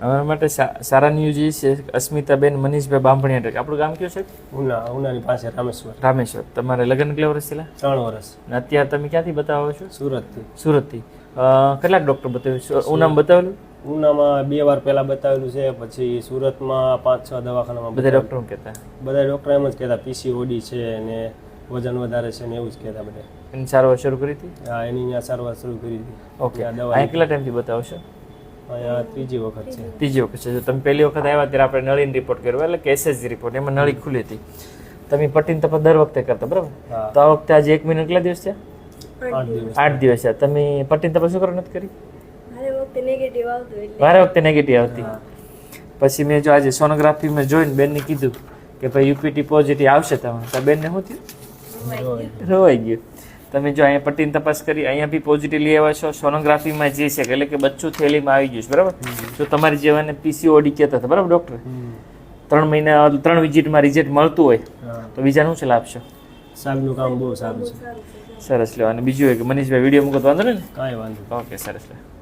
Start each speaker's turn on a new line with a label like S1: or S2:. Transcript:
S1: અમારા માટે સારા ન્યૂઝ છે અસ્મિતાબેન મનીષભાઈ બાંભણિયા. આપણું ગામ કયું છે?
S2: ઉનાની પાસે રામેશ્વર.
S1: રામેશ્વર. તમારે લગ્ન કેટલા વર્ષ થયેલા?
S2: 3 વર્ષ.
S1: અને અત્યારે તમે ક્યાંથી બતાવો છો?
S2: સુરતથી.
S1: સુરતથી. કેટલાક ડૉક્ટર બતાવ્યું? ઉનામાં બતાવેલું?
S2: ઉનામાં 2 વાર પહેલા બતાવેલું છે, પછી સુરતમાં 5-6 દવાખાનામાં.
S1: બધા ડૉક્ટરો કહેતા?
S2: બધા ડૉક્ટર એમ જ કહેતા પીસીઓડી છે ને વજન વધારે છે ને એવું જ કહેતા બધા.
S1: એની સારવાર શરૂ કરી હતી?
S2: હા, એની અહીંયા સારવાર શરૂ કરી હતી.
S1: ઓકે. અહીંયા કેટલા ટાઈમથી બતાવો છો?
S2: અહીંયા 3જી વખત છે.
S1: 3જી વખત છે. જો તમે પહેલી વખત આવ્યા ત્યારે આપણે નળીનો રિપોર્ટ કર્યો, એટલે કે એસએસજી રિપોર્ટ, એમાં નળી ખુલી હતી. તમે પટ્ટીની તપાસ દર વખતે કરતા, બરાબર? તો આ વખતે આજે 1 મહિના કેટલા દિવસ છે? 8 દિવસ છે. તમે પટ્ટીની તપાસ શું કરો નથી કરી? મારે વખતે નેગેટિવ આવતી. પછી મેં જો આજે સોનોગ્રાફીમાં જોઈને બેનને કીધું કે ભાઈ યુપીટી પોઝિટિવ આવશે તમારે, તો બેનને શું થયું? રોવાઈ ગયું. તમે જો અહીંયા પટ્ટીની તપાસ કરી, અહીંયા બી પોઝિટિવ લઈ આવ્યા છો. સોનોગ્રાફીમાં જે છે એટલે કે બચ્ચું થેલીમાં આવી ગયું છે, બરાબર? જો તમારી જેવાને પીસીઓડી કહેતા હતા, બરાબર ડૉક્ટર? 3 મહિના 3 વિઝિટમાં રિઝલ્ટ મળતું હોય તો બીજાનું શું લાભ છે?
S2: સાહેબનું કામ બહુ સારું છે.
S1: સરસ. લો. અને બીજું કે મનીષભાઈ વિડીયો મૂકો તો વાંધો નહીં ને?
S2: કાંઈ વાંધો.
S1: ઓકે, સરસ. લો.